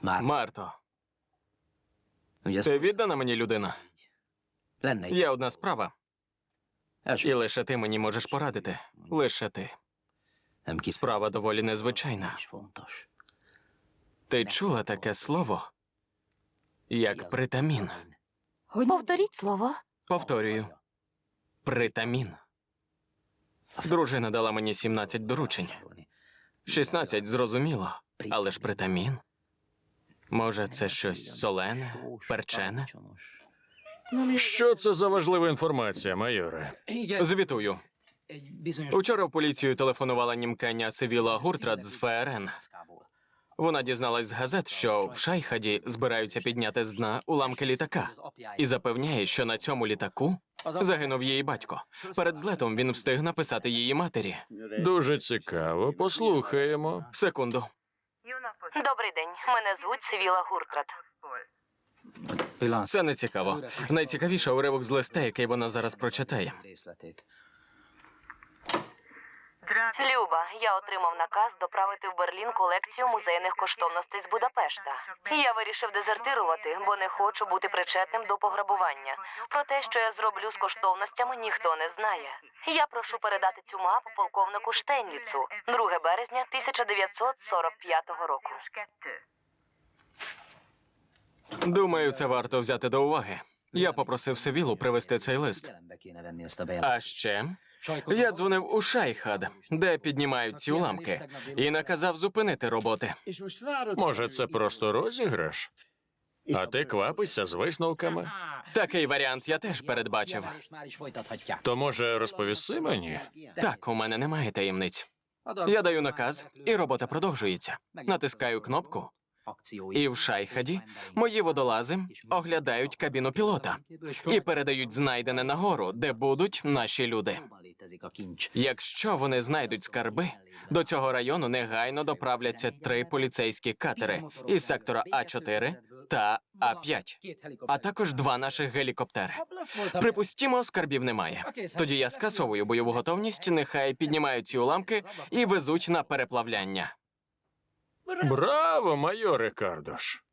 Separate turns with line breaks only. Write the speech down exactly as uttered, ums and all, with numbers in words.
Марто, ти віддана мені людина? Є одна справа, і лише ти мені можеш порадити. Лише ти. Справа доволі незвичайна. Ти чула таке слово, як притамін?
Повторіть слово.
Повторюю. Притамін. Дружина дала мені сімнадцять доручень. шістнадцять зрозуміло, але ж притамін? Може, це щось солене, перчене?
Що це за важлива інформація, майоре?
Звітую. Учора в поліцію телефонувала німкеня Севіла Гуртрат з ФРН. Вона дізналась з газет, що в Шайхаді збираються підняти з дна уламки літака. І запевняє, що на цьому літаку загинув її батько. Перед злетом він встиг написати її матері.
Дуже цікаво. Послухаємо.
Секунду.
Добрий день. Мене звуть Севіла Гуртрат.
Це не цікаво. Найцікавіше уривок з листа, який вона зараз прочитає.
Люба, я отримав наказ доправити в Берлін колекцію музейних коштовностей з Будапешта. Я вирішив дезертирувати, бо не хочу бути причетним до пограбування. Про те, що я зроблю з коштовностями, ніхто не знає. Я прошу передати цю мапу полковнику Штейнліцу другого березня тисяча дев'ятсот сорок п'ятого року.
Думаю, це варто взяти до уваги. Я попросив Севілу привезти цей лист. А ще я дзвонив у Шайхад, де піднімають ці уламки, і наказав зупинити роботи.
Може, це просто розіграш? А ти квапишся з висновками?
Такий варіант я теж передбачив.
То, може, розповіси мені?
Так, у мене немає таємниць. Я даю наказ, і робота продовжується. Натискаю кнопку, і в Шайхаді мої водолази оглядають кабіну пілота і передають знайдене нагору, де будуть наші люди. Якщо вони знайдуть скарби, до цього району негайно доправляться три поліцейські катери із сектора А чотири та А п'ять, а також два наших гелікоптери. Припустімо, скарбів немає. Тоді я скасовую бойову готовність, нехай піднімають ці уламки і везуть на переплавляння.
Браво, майоре Кардош!